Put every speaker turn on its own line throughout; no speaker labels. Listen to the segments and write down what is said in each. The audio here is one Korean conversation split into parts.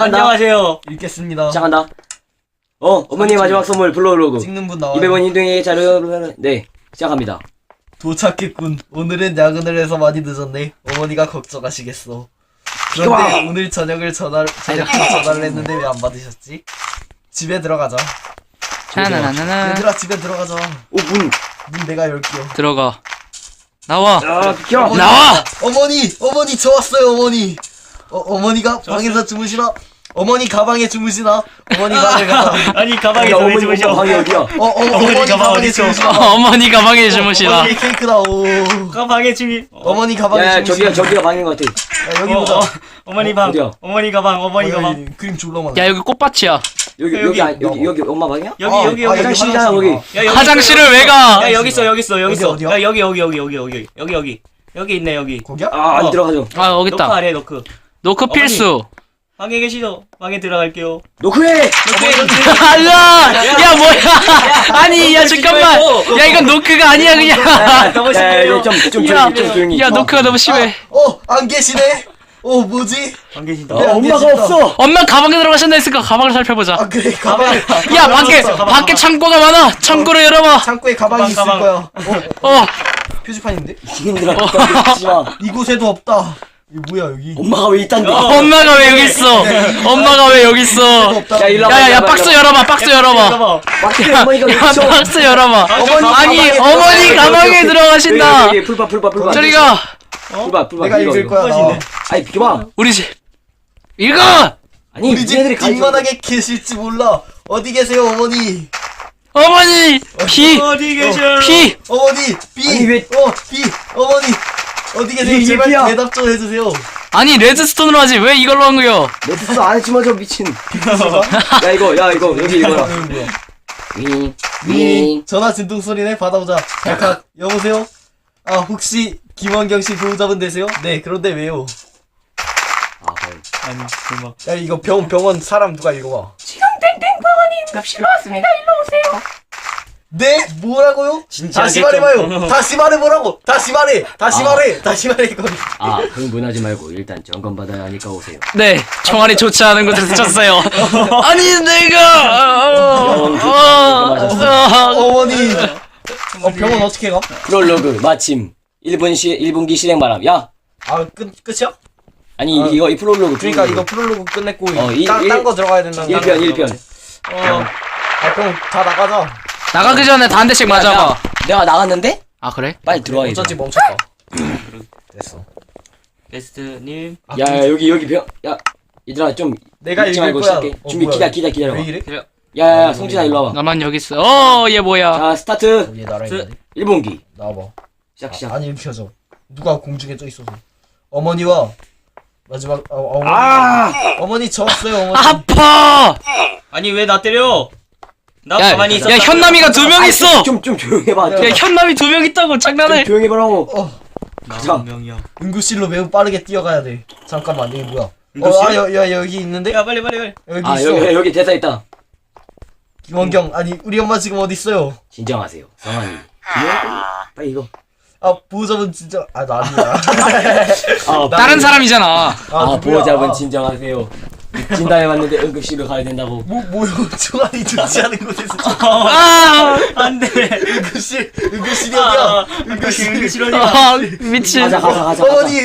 안녕하세요.
읽겠습니다.
시작한다. 어머니 마지막 선물 블로로그.
찍는 분 나와요.
200원 인등에 자료. 네, 시작합니다.
도착했군. 오늘은 야근을 해서 많이 늦었네. 어머니가 걱정하시겠어. 그런데 오늘 저녁에 전화를 했는데 왜 안 받으셨지? 집에 들어가자.
나나나나.
얘들아 집에 들어가자.
문
내가 열게요.
들어가. 나와.
비켜.
나와.
어머니 저 왔어요 어머니. 어머니가 방에서 주무시나? 어머니 가방에 주무시나? 어머니 방에 가자.
아니 가방에서 왜 주무셔?
방이 어디야?
어머니 가방에 주무시나?
어머니 가방에 주무시나.
어머니 케이크다. 오.
가방에 주미.
어머니 가방에
야,
주무시나?
저기가 방인 것 같아.
야, 여기 보자.
어머니 방.
어디야?
어머니 가방. 어머니 가방.
그림 졸라 많아.
야 여기 꽃밭이야.
여기 엄마 방이야?
여기
화장실이잖아 거기.
야, 여기
화장실을 왜 가?
야 여기 있어.
어디야?
야 여기 있네 여기.
거기야?
안 들어가죠.
아 여기
노크
있다.
아래 노크.
노크
어머니.
필수.
방에 계시죠? 방에 들어갈게요.
노크해.
알라. 야 뭐야? 아니 야 잠깐만. 야 이건 노크가 아니야 그냥.
너무 심해요.
좀
야,
조용히.
야 노크가 너무 심해.
안 계시네. 뭐지?
안 계신다.
엄마가 없어.
엄마 가방에 들어가신다 했으니까 가방을 살펴보자.
아 그래 가방.
야 밖에 창고가 많아. 창고를 열어봐.
창고에 가방이 있을
가방.
거야.
어.
표지판인데?
힘들어. 깜짝이지 마.
이곳에도 없다. 이거 뭐야 여기?
엄마가 왜 있단데?
엄마가 왜 여기 있어? 엄마가 왜 여기 있어?
없다.
야, 일로 와봐.
야야야 박스 열어봐. 박스 열어봐.
밖에 어머니가 왜
야
있어?
박스 열어봐. 아니
가방에
어머니 가방에 들어가신다.
여기 풀봐.
저리 가.
풀봐.
내가 읽을 거야. 나.
아니 비켜봐.
우리 집. 읽어.
아니
우리 집
얘네들이
뒷마당에 계실지 몰라. 어디 계세요 어머니?
어머니 피.
어디 계셔?
피.
어머니 비.
아니, 왜-
비. 어머니 어디 계세요?
이게
제발
비야.
대답 좀 해주세요.
아니 레드스톤으로 하지 왜 이걸로 한 거요?
레드스 안 했지만 저 미친. 야 이거 여기 이거야. 윙.
전화 진동 소리네. 받아보자. 발칵. 여보세요? 혹시 김원경 씨 보호자분 되세요? 네. 그런데 왜요?
아니 정말.
야 이거 병원 사람 누가 읽어봐.
급실로 왔습니다. 일로 오세요.
네? 뭐라고요?
진짜
다시
알겠죠?
말해봐요. 다시 말해보라고. 다시 말해. 다시 말해 이거.
흥분하지 말고 일단 점검 받아야 하니까 오세요.
네 총알이 좋지 않은 곳에서 쳤어요. 아니 내가
어머니. 병원 어떻게 가?
프롤로그 마침 1분기 실행 바람. 야
끝이야?
아니 이거 이 프롤로그.
그러니까 이거 프롤로그 끝냈고
일-
딴 거 들어가야 된다는 거.
1편.
그럼 다 나가자.
나가기 전에 다 한 대씩 맞아봐.
내가 나갔는데?
아 그래?
빨리 들어와.
어쩐지 멈췄다. 됐어.
베스트님.
야 여기 병. 야 얘들아 좀
내가
읽지
읽을
말고
거야.
시작해. 준비 기다려봐.
왜 이래?
야 성진아 일로 와봐.
나만 여기 있어. 얘 뭐야?
자 스타트.
얘 나라 있는데.
1분기
나와봐.
시작.
아니 켜져. 누가 공중에 떠 있어서. 어머니와 마지막 어머니 저 왔어요 어머니.
아파.
아니 왜 나 때려? 나
야,
가만히 있었다.
야 현남이가 2명 있어.
좀 조용해봐.
야 현남이 2명 있다고 장난해.
좀 조용해보라고.
나 명이야.
응급실로 매우 빠르게 뛰어가야 돼. 잠깐만 이게 뭐야?
응급실?
야 여기 있는데?
야 빨리.
여기 있어.
여기 대사 있다.
김원경 아니 우리 엄마 지금 어디 있어요?
진정하세요. 성환이. 빨리 이거.
보호자분 진짜 나 아니야.
다른 사람이잖아.
누구야?
보호자분 진정하세요. 진단해 봤는데 응급실로 가야 된다고.
뭐요? 총알이 좋지 않은 곳에서
안돼.
응급실이 어디야?
응급실 어디야?
아 미친.
가자.
어머니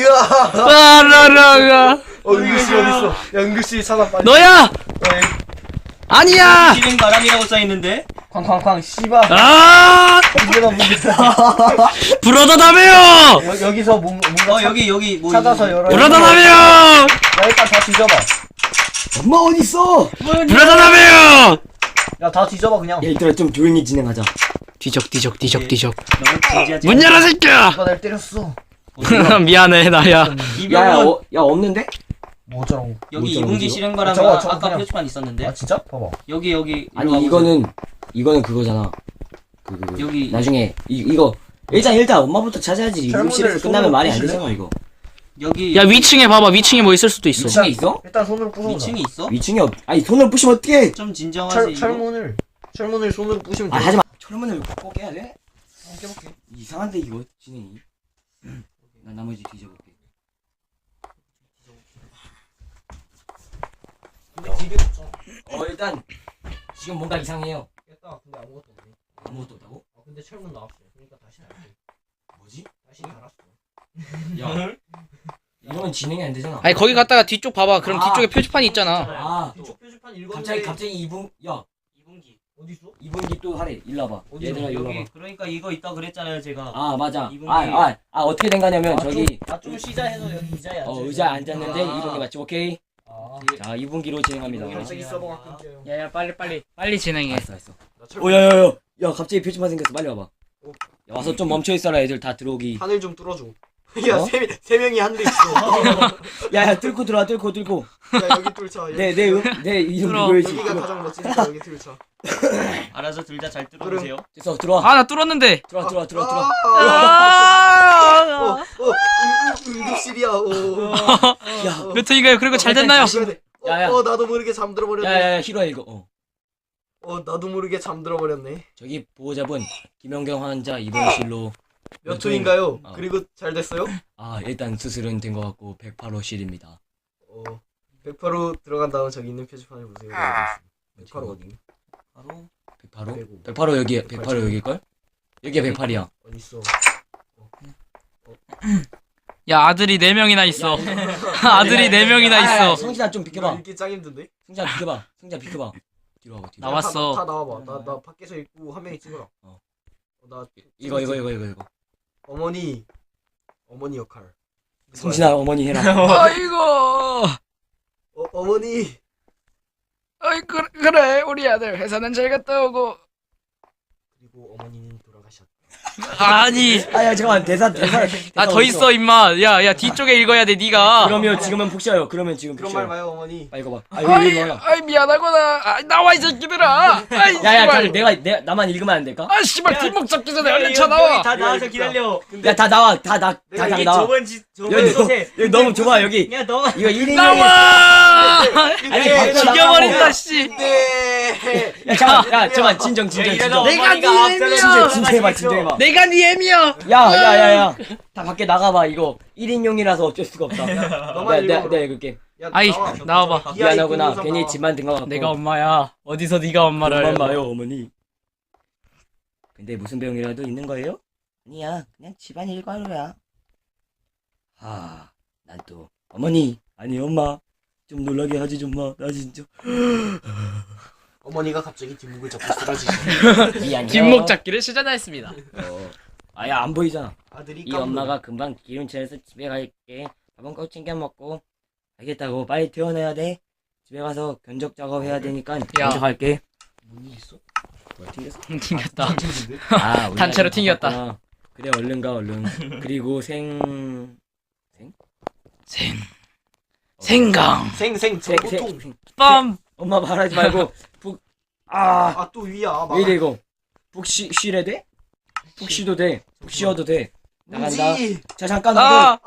라라가.
응급실 어디 있어? 야 응급실 찾아 빨리.
너야? 아니야.
실행 바람이라고 써 있는데.
쾅쾅쾅 씨발.
아
문제다.
불어다다며요.
여기서 뭔가
여기 뭐
찾아서 열어.
불어다다며요.
야 일단 다 뒤져봐.
엄마 어디 있어?
불어다다며요.
야 다 뒤져봐 그냥.
야 이들아 좀 조용히 진행하자.
뒤적.
너무 진지하지.
문 열어 새끼야.
누가 날 때렸어.
미안해 나야.
야 없는데?
뭐 어쩌라고.
여기
뭐
2분기 실행 바람
저거
아까
그냥-
표지판 있었는데.
진짜? 봐봐.
여기
아니
일로
이거는 그거잖아.
여기-
나중에 이거 일단 엄마부터 찾아야지. 응급실에서 끝나면 말이 안 되잖아 이거.
여기
야 위층에 봐봐. 위층에 뭐 있을 수도 있어.
위층에 있어?
일단 손으로 부숴보자.
위층이 있어?
위층에 아니 손을 부시면 어떡해?
좀 진정하지. 이거.
철문을 손으로 부시면 돼.
하지마. 철문을 꼭 깨야 돼? 깨볼게. 이상한데 이거 진행이. 난 나머지 뒤져볼게.
집에 없잖아.
일단 지금 뭔가 이상해요.
깼다. 근데 아무것도 없네.
아무것도 없다고?
근데 철문 나왔어. 그러니까 다시 달게.
뭐지?
다시 달았어.
야 이러면 진행이 안 되잖아.
아니 거기 갔다가 뒤쪽 봐봐. 그럼
아.
뒤쪽에 표지판이 있잖아.
아
뒤쪽 표지판 읽었는데.
갑자기 2분 야
2분기.
어디 있어?
2분기 또 하래. 일로 와봐.
어디
얘들아 일로
여기
와봐.
그러니까 이거 있다 그랬잖아요 제가.
아 맞아.
2분기.
어떻게 된 거냐면 저기
좀 쉬자 해서 여기 의자에 앉아.
의자에 앉았는데
아.
2분기 맞지? 오케이.
아.
자 2분기로 진행합니다.
갑자기 서버가 끊겨요.
야야 빨리 진행해.
알았어.
나 철문
오야야야. 야 갑자기 표지판 생겼어. 빨리 와봐.
어.
야, 와서 좀 멈춰 있어라. 애들 다 들어오기.
하늘 좀 뚫어줘. 야,
어?
세 명이 하늘에 있어.
야야 뚫고 들어와. 뚫고.
야, 여기 뚫자. 여기
내 이름
들어.
누구야지?
여기가 가장 멋지니까 여기 뚫자.
알아서 둘 다 잘 뚫어보세요.
됐어 들어와.
아 나 뚫었는데.
들어와.
아.
응급실이야.
야.
몇 턴인가요? 그리고 잘 됐나요?
야야.
나도 모르게 잠들어 버렸네.
야야야 히로야 이거.
나도 모르게 잠들어 버렸네.
저기 보호자분 김연경 환자 입원실로
몇 초인가요?
어.
그리고 잘 됐어요?
일단 수술은 된 것 같고 108호실입니다.
108호 들어간 다음 저기 있는 표지판을 보세요. 108호 어디?
바로
108호? 108호 여기 108호 여기일걸? 여기가 108이야.
어디 있어?
야 아들이 4명이나 있어. 아들이 4명이나 있어.
성진아 좀 비켜봐.
읽기 짱 힘든데?
성진아 비켜봐. 뒤로 와봐 뒤로.
나왔어.
다 나와봐. 나 밖에서 있고 한 명이 찍어라. 나
이거.
어머니 역할.
성진아 어머니 해라.
아이고.
어머니.
어이 그래 우리 아들 회사는 잘 갔다 오고.
그리고 어머니는 돌아가셨다.
아니.
아야 잠깐만 대사.
아 더 있어 임마. 야 뒤쪽에 읽어야 돼 네가.
그러면 지금은 푹 쉬어요. 그러면 지금 푹
그런 말
쉬어요.
마요 어머니.
이거 봐. 여기 와.
아이 미안하구나. 아, 나와 이 새끼들아. 아이
야야
씨발.
그럼 내가 나만 읽으면 안 될까?
아 씨발 뒷목 잡기 전에 얼른 쳐 나와.
다 나와서 기다려.
야 다 나와. 다
내가 이게
나와. 여기 너무 좁아 여기.
야 너가
이거 1인용이.
나와.
아니 밖으로
죽여버린다 씨.
네.
야 잠깐만 진정.
이러다
내가
어머니가
네
앞서서
진정해봐.
내가 네 애미야.
야야야야 다 밖에 나가봐. 이거 1인용이라서 어쩔 수가 없다.
너만
내가
읽어.
읽을게.
야,
아이
나와.
나와봐.
미안하구나.
이하
괜히
나와.
집만 든 것 같고.
내가 엄마야. 어디서 네가 엄마를
엄만
알고.
봐요 어머니. 근데 무슨 병이라도 있는 거예요? 아니야 그냥 집안 일과로야. 난 또 어머니 아니 엄마 좀 놀라게 하지 좀 마. 나 진짜
어머니가 갑자기 뒷목을 잡고 쓰러지시.
미안해요.
뒷목 잡기를 시전했습니다.
아야 안 보이잖아.
아들이
이 엄마가 금방 기름칠해서 집에 갈게. 밥은 꼭 챙겨 먹고. 알겠다고 빨리 퇴원해야 돼. 집에 가서 견적 작업해야 되니까 먼저 갈게.
뭔일 있어?
뭐야 튕겼어?
튕겼다.
우리
단체로
아들
튕겼다.
바빴구나. 그래 얼른 가 얼른. 그리고
생강.
생생 저고통.
빰.
엄마 말하지 말고
또 위야.
왜 이래 이거. 푹 쉬래 돼? 푹 쉬도 돼. 푹 쉬어도 돼. 나간다.
무지.
자 잠깐
아.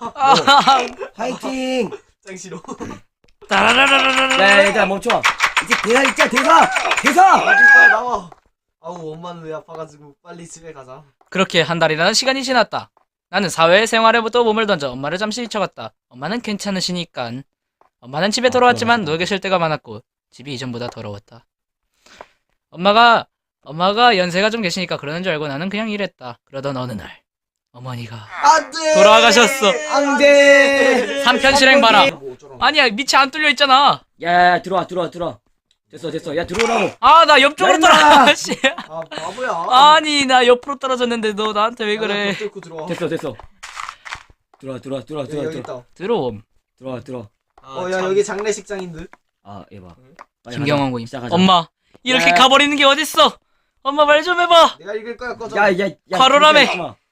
화이팅.
짱 싫어.
따라라라라라.
야 얘들아 멈춰. 이제 대사 있자 대사.
빨리 나와. 아우 엄마는 왜 아파가지고 빨리 집에 가자.
그렇게 한 달이라는 시간이 지났다. 나는 사회생활에부터 몸을 던져 엄마를 잠시 잊혀갔다. 엄마는 괜찮으시니깐. 엄마는 집에 돌아왔지만 누워 계실 때가 많았고 집이 이전보다 더러웠다. 엄마가 연세가 좀 계시니까 그러는 줄 알고 나는 그냥 일했다. 그러던 어느 날 어머니가
안돼.
돌아가셨어.
안돼.
3편 실행 봐라.
뭐 어쩌라고.
아니야 밑이 안 뚫려 있잖아.
야 들어와. 됐어. 야 들어오라고.
아 나 옆쪽으로
야, 임마!
떨어졌어.
아 바보야.
아니 나 옆으로 떨어졌는데 너 나한테 왜 그래.
뚫고 들어와.
됐어. 들어와.
여기 있다.
들어옴.
들어와.
야 여기 장례식장인 듯.
얘 봐.
김경원 고임.
시작하자.
엄마 이렇게
야.
가버리는 게 어딨어. 엄마 말 좀 해봐.
내가 읽을 거야 꺼져.
야.
과로라며.
진짜 있지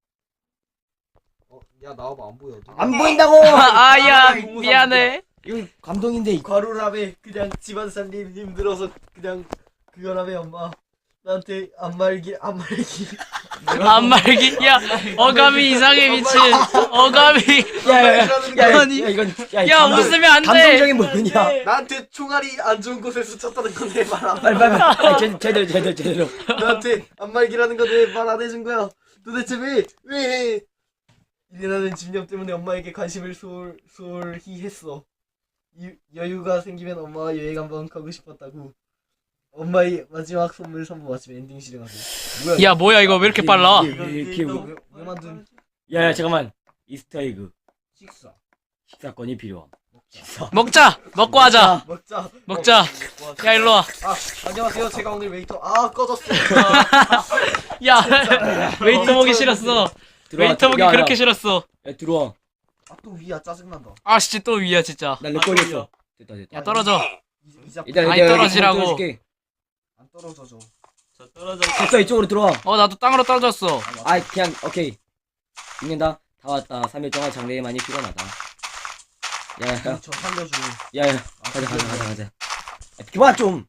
야 나와봐 안 보여.
마. 안 보인다고.
아야 미안해.
이거 감동인데 이거.
과로라며 그냥 집안 살림 힘들어서 그냥 그거라며 엄마 나한테 안 말기
안 말기. 야 어감이 이상해 미친. 어감이. 아니.
이건
야 웃으면 안 돼.
감동적인 부분이야.
나한테 총알이 안 좋은 곳에서 쳤다는 건 왜 말 안
빨리 제대로.
나한테 안 말기라는 건 왜 말 안 해준 거야? 도대체 왜 일이라는 집념 때문에 엄마에게 관심을 소홀히 했어. 여유가 생기면 엄마와 여행 한번 가고 싶었다고. 엄마의 마지막 선물 선보 마침 엔딩실에 가서. 뭐야?
야 뭐야 이거 왜 이렇게 빨라?
왜 만든?
야야 잠깐만. 이스터에그
식사.
식사권이 필요함. 식사.
먹자. 먹고 하자.
먹자.
먹자. 야 일로 와.
안녕하세요. 제가 오늘 웨이터. 꺼졌어.
야 웨이터 보기 싫었어. 웨이터 보기 그렇게 싫었어.
야 들어와.
또 위야 짜증난다.
아 진짜 또 위야 진짜.
나 렉걸렸어. 됐다.
야 떨어져.
일단
아니, 떨어지라고.
안 떨어져줘.
저 떨어져.
됐어 이쪽으로 들어와.
나도 땅으로 떨어졌어.
아 그냥 오케이. 읽는다. 다 왔다. 3일 동안 장래에 많이 피곤하다. 야야.
저 살려줘.
야야. 가자. 그만 좀.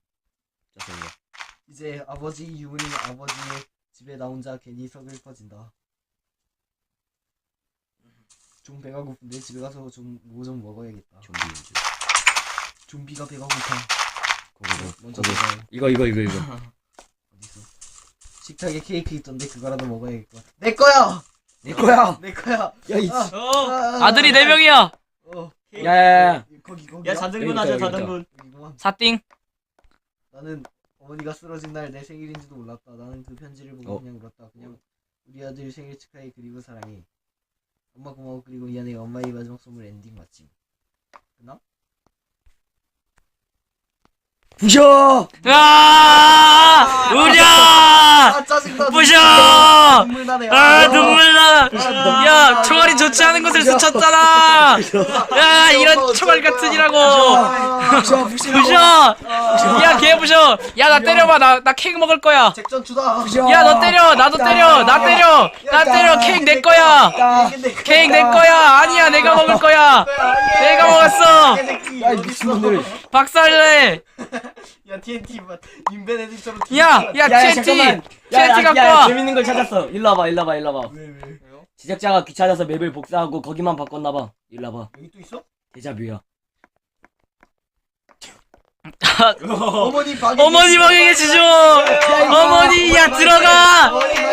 이제 아버지 유은이 아버지의 집에 나 혼자 괜히 서글퍼진다. 좀 배가 고픈데 집에 가서 뭐 좀 먹어야겠다.
좀비 연주.
좀비가 배가 고파. 먼저
고고.
먹어요.
이거.
어딨어? 식탁에 케이크 있던데 그거라도 먹어야겠다. 내 거야.
내 거야.
내 거야.
야이.
아들이 4명이야.
야야야.
거기.
야 자등분 하자
여기다.
자등분.
여기구만.
사띵.
나는 어머니가 쓰러진 날 내 생일인지도 몰랐다. 나는 그 편지를 보고 그냥 울었다. 그냥 우리 아들 생일 축하해 그리고 사랑해. 엄마 고마워 그리고 미안해. 엄마의 마지막 선물 엔딩 마침. 끝나?
부셔.
우랴.
짜증나.
부셔.
눈물 나네.
눈물 나. 야 총알이 좋지 않은 곳을 스쳤잖아. 야 이런 총알 같은 이라고. 부셔. 야 걔 부셔. 야 나 때려봐. 나 케이크 먹을 거야.
잭전 주다.
야 너 때려. 나도 때려. 나 때려. 케이크 내 거야. 케이크 내 거야. 아니야 내가 먹을 거야. 내가 먹었어.
야 미친놈들.
박살내.
야 TNT 인베네딕처럼.
야 TNT.
잠깐만.
TNT 갖고
야,
와.
재밌는 걸 찾았어. 일로 와봐.
왜?
제작자가 귀찮아서 맵을 복사하고 거기만 바꿨나봐. 일로 와봐.
여기 또 있어?
데자뷰야.
어머니 방에.
어머니 방에 계시죠. 어머니 야 들어가.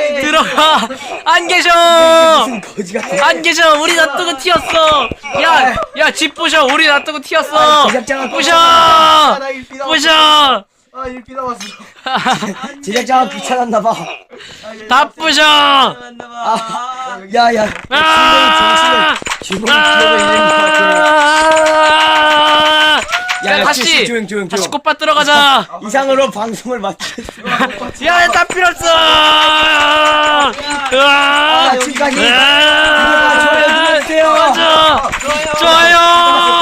안 계셔.
무슨 거지 같은.
안 계셔. 우리 놔두고 튀었어. 야 집 부셔. 우리 놔두고 튀었어.
제작자가
부셔.
나 일피 남았어.
부셔.
일피 남았어.
제작자가 귀찮았나봐.
다 부셔.
야야.
아!
주먹이 기억을 잃는 것 같아.
야 다시
조용.
다시 꽃밭 들어가자.
이상으로 방송을 마쳤어.
야다 필요 없어.
지금까지
좋아요
눌러주세요.
좋아요.